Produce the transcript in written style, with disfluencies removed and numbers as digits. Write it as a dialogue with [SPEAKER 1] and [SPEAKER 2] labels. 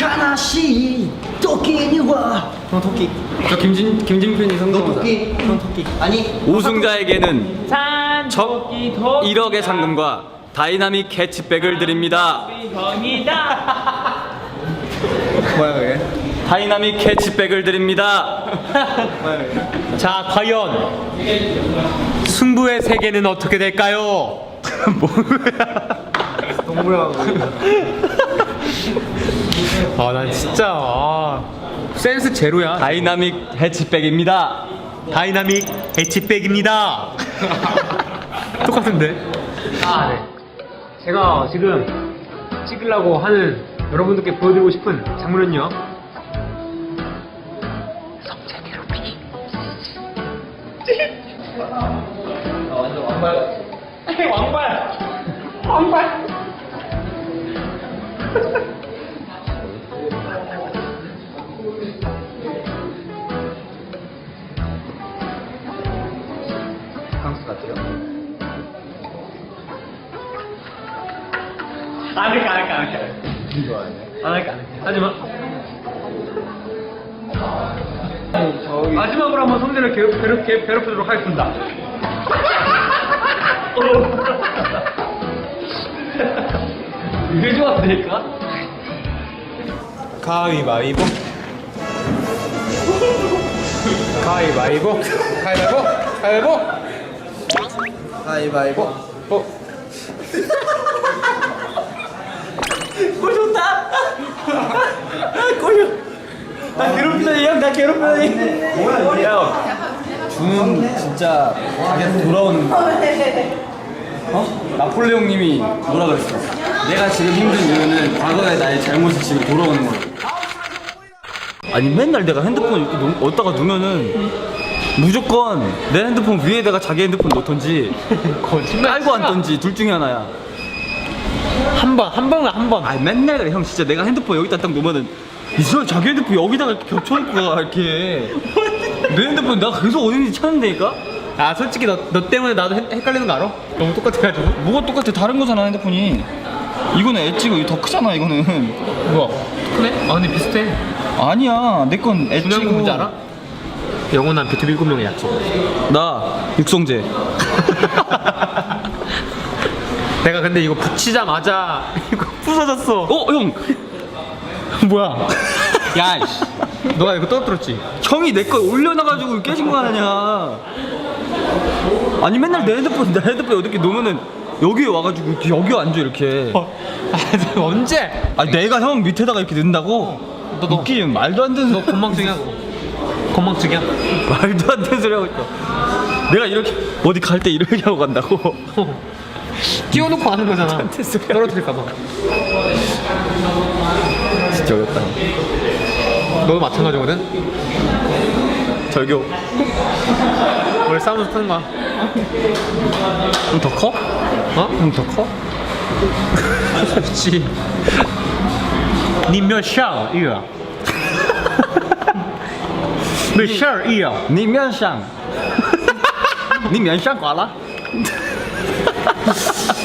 [SPEAKER 1] 하나씩 토끼니와
[SPEAKER 2] 형 토끼. 저 김진편이 성대모사.
[SPEAKER 1] 토끼.
[SPEAKER 2] 형 토끼.
[SPEAKER 1] 아니
[SPEAKER 3] 우승자에게는
[SPEAKER 2] 산
[SPEAKER 3] 적
[SPEAKER 2] 토끼 토끼
[SPEAKER 3] 1억의 상금과 다이나믹 캐치백을 드립니다.
[SPEAKER 1] 뭐야 그게?
[SPEAKER 3] 다이나믹 캐치백을 드립니다.
[SPEAKER 2] 자, 과연 승부의 세계는 어떻게 될까요?
[SPEAKER 1] 동물하고
[SPEAKER 2] 아, 난 진짜 센스 제로야.
[SPEAKER 3] 다이나믹 캐치백입니다.
[SPEAKER 2] 다이나믹 해치백입니다. 똑같은데? 아, 네. 제가 지금 찍으려고 하는 여러분들께 보여드리고 싶은 장면은요. 성체 괴롭히기.
[SPEAKER 1] 완전 왕발.
[SPEAKER 2] 왕발.
[SPEAKER 1] 강수 같아요.
[SPEAKER 2] 안 할게.
[SPEAKER 1] 좋아하네.
[SPEAKER 2] 안 할게. 하지마.
[SPEAKER 1] 저기
[SPEAKER 2] 마지막으로 한번 성대를 괴롭히도록 하겠습니다. 이게 좋았으니까? 가위바위보. 가위바위보.
[SPEAKER 1] 가위바위보.
[SPEAKER 3] 나 괴롭히다니 형, 나 괴롭히다니.
[SPEAKER 1] 뭐야 이게? 주는 진짜 자기한테 돌아오는
[SPEAKER 3] 나폴레옹님이 뭐라 그랬어? 내가 지금 힘든 이유는 과거의 나의 잘못이 지금 돌아오는 거야. 아니 맨날 내가 핸드폰 이렇게 어디다가 두면은 무조건 내 핸드폰 위에다가 자기 핸드폰 놓던지 깔고 앉던지 둘 중에 하나야.
[SPEAKER 2] 한 번.
[SPEAKER 3] 아니 맨날 그래 형. 진짜 내가 핸드폰 여기다 딱 놓으면은 이 사람 자기 핸드폰 여기다가 이렇게 겹쳐놓고 가 이렇게. 내 핸드폰 내가 계속 어디 있는지 찾는다니까?
[SPEAKER 2] 아, 솔직히 너 때문에 나도 헷갈리는 거 알아? 너무 똑같아가지고.
[SPEAKER 3] 뭐가 똑같아? 다른 거잖아 핸드폰이. 이거는 엣지고 이거 더 크잖아 이거는.
[SPEAKER 2] 뭐야? 그래? 아, 근데 비슷해.
[SPEAKER 3] 아니야 내 건 엣지고.
[SPEAKER 2] 중요한 건 뭔지 알아? 영원한 비투비 7명의 약속.
[SPEAKER 3] 나 육성재.
[SPEAKER 2] 내가 근데 이거 붙이자마자 이거 부서졌어.
[SPEAKER 3] 어 형.
[SPEAKER 2] 뭐야?
[SPEAKER 3] 야 이씨.
[SPEAKER 2] 너가 이거 떨어뜨렸지?
[SPEAKER 3] 형이 내 거 올려놔가지고 깨진 거 아니냐. 아니 맨날 내 핸드폰 이렇게 놓으면은 여기에 와가지고 이렇게 여기 앉아 이렇게.
[SPEAKER 2] 아, 언제?
[SPEAKER 3] 아니 내가 형 밑에다가 이렇게 넣는다고?
[SPEAKER 2] 너
[SPEAKER 3] 웃기면 말도 안 되는
[SPEAKER 2] 너 건망증이야? 건망증이야?
[SPEAKER 3] 말도 안 되는 소리 하고 있어. 내가 이렇게 어디 갈 때 이렇게 하고 간다고.
[SPEAKER 2] 끼워놓고 하는 거잖아. 떨어뜨릴까봐.
[SPEAKER 3] 진짜 어렵다.
[SPEAKER 2] 너도 마찬가지거든?
[SPEAKER 3] 절교.
[SPEAKER 2] 원래 싸우면서 타는 거야.
[SPEAKER 3] 좀 더 커?
[SPEAKER 2] 어?
[SPEAKER 3] 형 더 커?
[SPEAKER 2] 그렇지. 你没有笑一个没事儿一样
[SPEAKER 3] 你面上你面上挂了